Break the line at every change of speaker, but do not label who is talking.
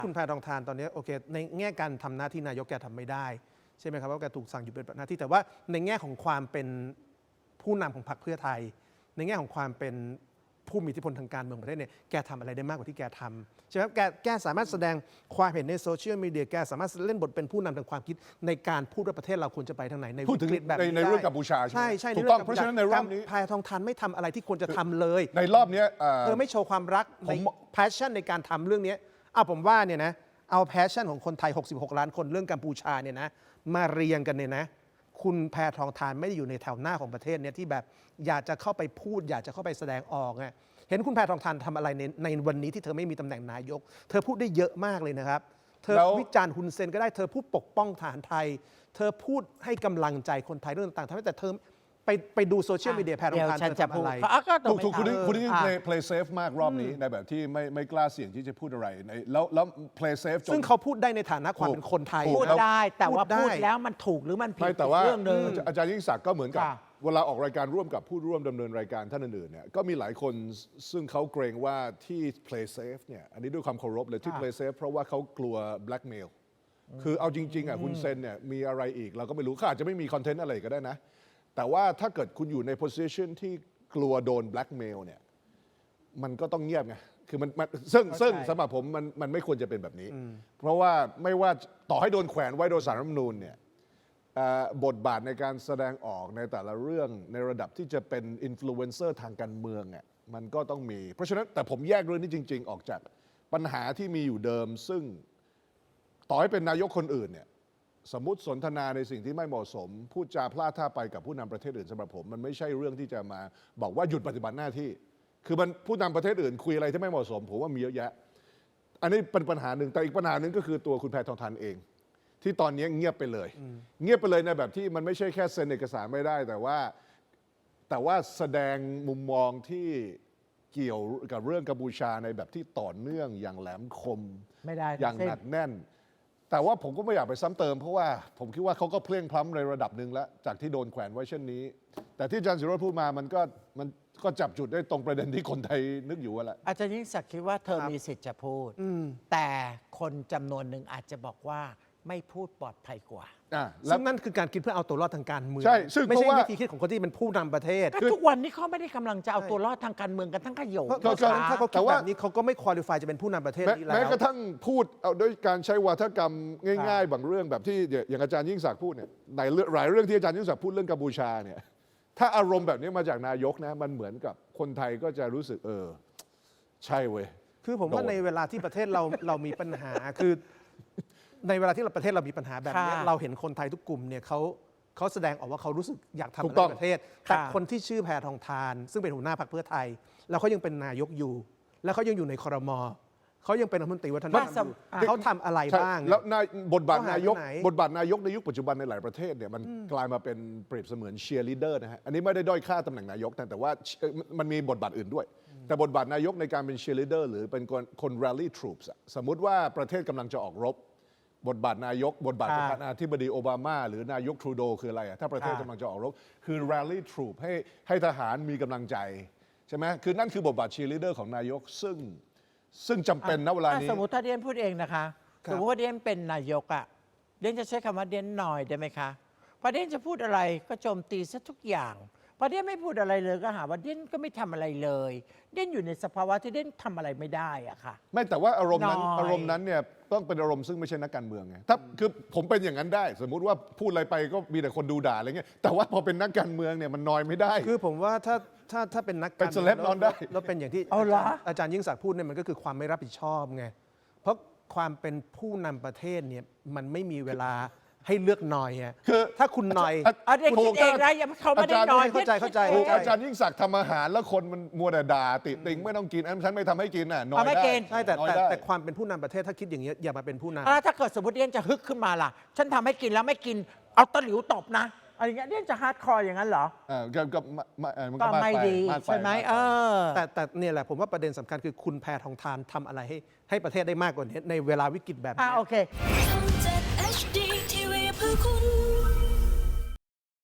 คุณแพทองทานตอนนี้โอเคในแง่การทำหน้าที่นายกแกทำไม่ได้ใช่ไหมครับว่าแกถูกสั่งหยุดปฏิบัติหน้าที่แต่ว่าในแง่ของความเป็นผู้นำของพรรคเพื่อไทย ในแง่ของความเป็นผู้มีอิทธิพลทางการเมืองประเทศเนี่ยแกทำอะไรได้มากกว่าที่แกทำใช่ไหมครับแกสามารถแสดงความเห็นในโซเชียลมีเดียแกสามารถเล่นบทเป็นผู้นำทางความคิดในการพูดว่าประเทศเราควรจะไปทางไหนใน
พูดถึง
วิกฤตแบบนี้
ในเรื่องกัมพูชาใช่
ใช่
ถูกต้องเพราะฉะนั้นในรอบนี้
แพทองทานไม่ทำอะไรที่ควรจะทำเลย
ในรอบนี้
ไม่โชว์ความรักใน passion ในการทำเรื่องนี้ผมว่าเนี่ยนะเอา passion ของคนไทย66 ล้านคนเรื่องกัมพูชาเนี่ยนะมาเรียงกันเนี่ยนะคุณแพทองทานไม่ได้อยู่ในแถวหน้าของประเทศเนี่ยที่แบบอยากจะเข้าไปพูดอยากจะเข้าไปแสดงออกไงเห็นคุณแพทองทานทำอะไรในวันนี้ที่เธอไม่มีตำแหน่งนายกเธอพูดได้เยอะมากเลยนะครับเธอวิจารณ์ฮุนเซนก็ได้เธอพูดปกป้องทหารไทยเธอพูดให้กำลังใจคนไทยเรื่องต่างๆทำให้แต่เธอไปดูโซเชียลมีเดียแพทองทานเธอทำอะไร
ถูกคุณนี่ play safe มากรอบนี้ในแบบที่ไม่กล้าเสี่ยงที่จะพูดอะไรแล้ว play safe
ซึ่งเขาพูดได้ในฐานะความเป็นคนไทย
พูดได้แต่ว่าพูดแล้วมันถูกหรือมันผิด
แต่ว่า
เรื่องนึง
อาจารย์ยิ่งศักดิ์ก็เหมือนกับเวลาออกรายการร่วมกับผู้ร่วมดำเนินรายการท่านอื่นๆเนี่ยก็มีหลายคนซึ่งเขาเกรงว่าที่ play safe เนี่ยอันนี้ด้วยความเคารพเลยที่ play safe เพราะว่าเขากลัว blackmail คือเอาจริงๆคุณเซนเนี่ยมีอะไรอีกเราก็ไม่รู้เขาอาจจะไม่มีคอนเทนต์อะไรก็ได้นะแต่ว่าถ้าเกิดคุณอยู่ใน position ที่กลัวโดน blackmail เนี่ยมันก็ต้องเงียบไงคือมันซึ่งสำหรับผมมันไม่ควรจะเป็นแบบนี้เพราะว่าไม่ว่าต่อให้โดนแขวนไว้โดยศาลรัฐธรรมนูญเนี่ยบทบาทในการแสดงออกในแต่ละเรื่องในระดับที่จะเป็นอินฟลูเอนเซอร์ทางการเมืองเนี่ยมันก็ต้องมีเพราะฉะนั้นแต่ผมแยกเรื่องนี้จริงๆออกจากปัญหาที่มีอยู่เดิมซึ่งต่อให้เป็นนายกคนอื่นเนี่ยสมมติสนทนาในสิ่งที่ไม่เหมาะสมพูดจาพลาดท่าไปกับผู้นำประเทศอื่นสำหรับผมมันไม่ใช่เรื่องที่จะมาบอกว่าหยุดปฏิบัติหน้าที่คือมันผู้นำประเทศอื่นคุยอะไรที่ไม่เหมาะสมผมว่ามีเยอะแยะอันนี้เป็นปัญหาหนึ่งแต่อีกปัญหาหนึ่งก็คือตัวคุณแพทองทานเองที่ตอนนี้เงียบไปเลยเงียบไปเลยในแบบที่มันไม่ใช่แค่เซ็นเอกสารไม่ได้แต่ว่าแสดงมุมมองที่เกี่ยวกับเรื่องกัมพูชาในแบบที่ต่อเนื่องอย่างแหลมคม
ไม่ได้
อย่างหนักแน่นแต่ว่าผมก็ไม่อยากไปซ้ำเติมเพราะว่าผมคิดว่าเขาก็เพลียงพล้ำในระดับหนึ่งแล้วจากที่โดนแขวนไว้เช่นนี้แต่ที่อาจารย์ศิโรจน์พูดมามันก็จับจุดได้ตรงประเด็นที่คนไทยนึกอยู่ว่าแหละ
อาจารย์ยิ่งศักดิ์คิดว่าเธอมีสิทธิ์จะพูดแต่คนจำนวนหนึ่งอาจจะบอกว่าไม่พูดปลอดภัยกว่า
ซึ่งนั่นคือการคิดเพื่อเอาตัวรอดทางการเมือง
ใช่ซึ่ง
ไม่ใช่วิธีคิดของคนที่เป็นผู้นำประเทศ
ทุกวันนี้เขาไม่ได้กำลังจะเอาตัวรอดทางการเมืองกันทั้งขยง
ถ้าเขาคิดแบบนี้เขาก็ไม่ควอลิฟายจะเป็นผู้นำประเทศนี้แล้ว
แม้กระทั่งพูดเอาด้วยการใช้วาทกรรมง่ายๆบางเรื่องแบบที่อย่างอาจารย์ยิ่งศักดิ์พูดเนี่ยในหลายเรื่องที่อาจารย์ยิ่งศักดิ์พูดเรื่องกัมพูชาเนี่ยถ้าอารมณ์แบบนี้มาจากนายกนะมันเหมือนกับคนไทยก็จะรู้สึกใช่เว้ย
คือผมว่าในเวลาที่ประเทศเรามีปัญหาคือในเวลาที่ประเทศเรามีปัญหาแบบนี้เราเห็นคนไทยทุกกลุ่มเนี่ยเขาแสดงออกว่าเขารู้สึกอยากทำอะไรในประเทศแต่คนที่ชื่อแพทองทานซึ่งเป็นหัวหน้าพรรคเพื่อไทยแล้วเขายังเป็นนายกอยู่แล้วเขายังอยู่ในครม.เขายังเป็นรัฐมนตรีวัฒนธรรมอยู่เขาทำอะไรบ้าง
แล้วบทบาทนายกในยุคปัจจุบันในหลายประเทศเนี่ยมันกลายมาเป็นเปรียบเสมือนเชียร์ลีดเดอร์นะฮะอันนี้ไม่ได้ด้อยค่าตำแหน่งนายกแต่ว่ามันมีบทบาทอื่นด้วยแต่บทบาทนายกในการเป็นเชียร์ลีดเดอร์หรือเป็นคน rally troops สมมุติว่าประเทศกำลังจะออกรบบทบาทนายกบทบาทประธานาธิบดีโอบามาหรือนายกทรูโดคืออะไรถ้าประเทศกำลังจะออกรบคือ rally troop ให้ทหารมีกำลังใจใช่ไหมคือนั่นคือบทบาท cheerleader ของนายกซึ่งจำเป็นณเวลานี้
สมมติถ้าเดียนพูดเองนะคะสมมติว่าเดียนเป็นนายกเดียนจะใช้คำว่าเดียนหน่อยได้ไหมคะพอเดียนจะพูดอะไรก็โจมตีซะทุกอย่างพอเดียนไม่พูดอะไรเลยก็หาว่าเดียนก็ไม่ทำอะไรเลยเดียนอยู่ในสภาวะที่เดียนทำอะไรไม่ได้อะค่ะ
ไม่แต่ว่าอารมณ์นั้นเนี่ยต้องเป็นอารมณ์ซึ่งไม่ใช่นักการเมืองไงถ้าคือผมเป็นอย่างนั้นได้สมมุติว่าพูดอะไรไปก็มีแต่คนดูด่าอะไรเงี้ยแต่ว่าพอเป็นนักการเมืองเนี่ยมันนอยไม่ได้
คือผมว่าถ้าเป็นนักการ
เป็นเซเลบนอนได้
แล้วเป็นอย่างที่อาจารย์ยิ่งศักดิ์พูดเนี่ยมันก็คือความไม่รับผิดชอบไงเพราะความเป็นผู้นำประเทศเนี่ยมันไม่มีเวลาให้เลือกหน่อยคือถ้าคุณหน่อย
เด็กคิดเองนะเขาไม่ได้หน่อย
เข้าใจ
อาจารย์ยิ่งศักดิ์ทำอาหารแล้วคนมันมัวแต่ด่าติติงไม่ต้องกินฉันไม่ทำให้กินน้อยได้
ใช่แต่ความเป็นผู้นำประเทศถ้าคิดอย่างนี้อย่ามาเป็นผู้น
ำถ้าเกิดสมมติเดียนจะฮึกขึ้นมาล่ะฉันทำให้กินแล้วไม่กินเอาตะหลิวตบนะอะไรเงี้ยเดียนจะฮาร์ดคอร์อย่างนั้นเหรอก็ไม่ดีใช่ไหม
แต่เนี่ยแหละผมว่าประเด็นสำคัญคือคุณแพทองทานทำอะไรให้ประเทศได้มากกว่านี้ในเวลาวิกฤตแบบนี้
โอเค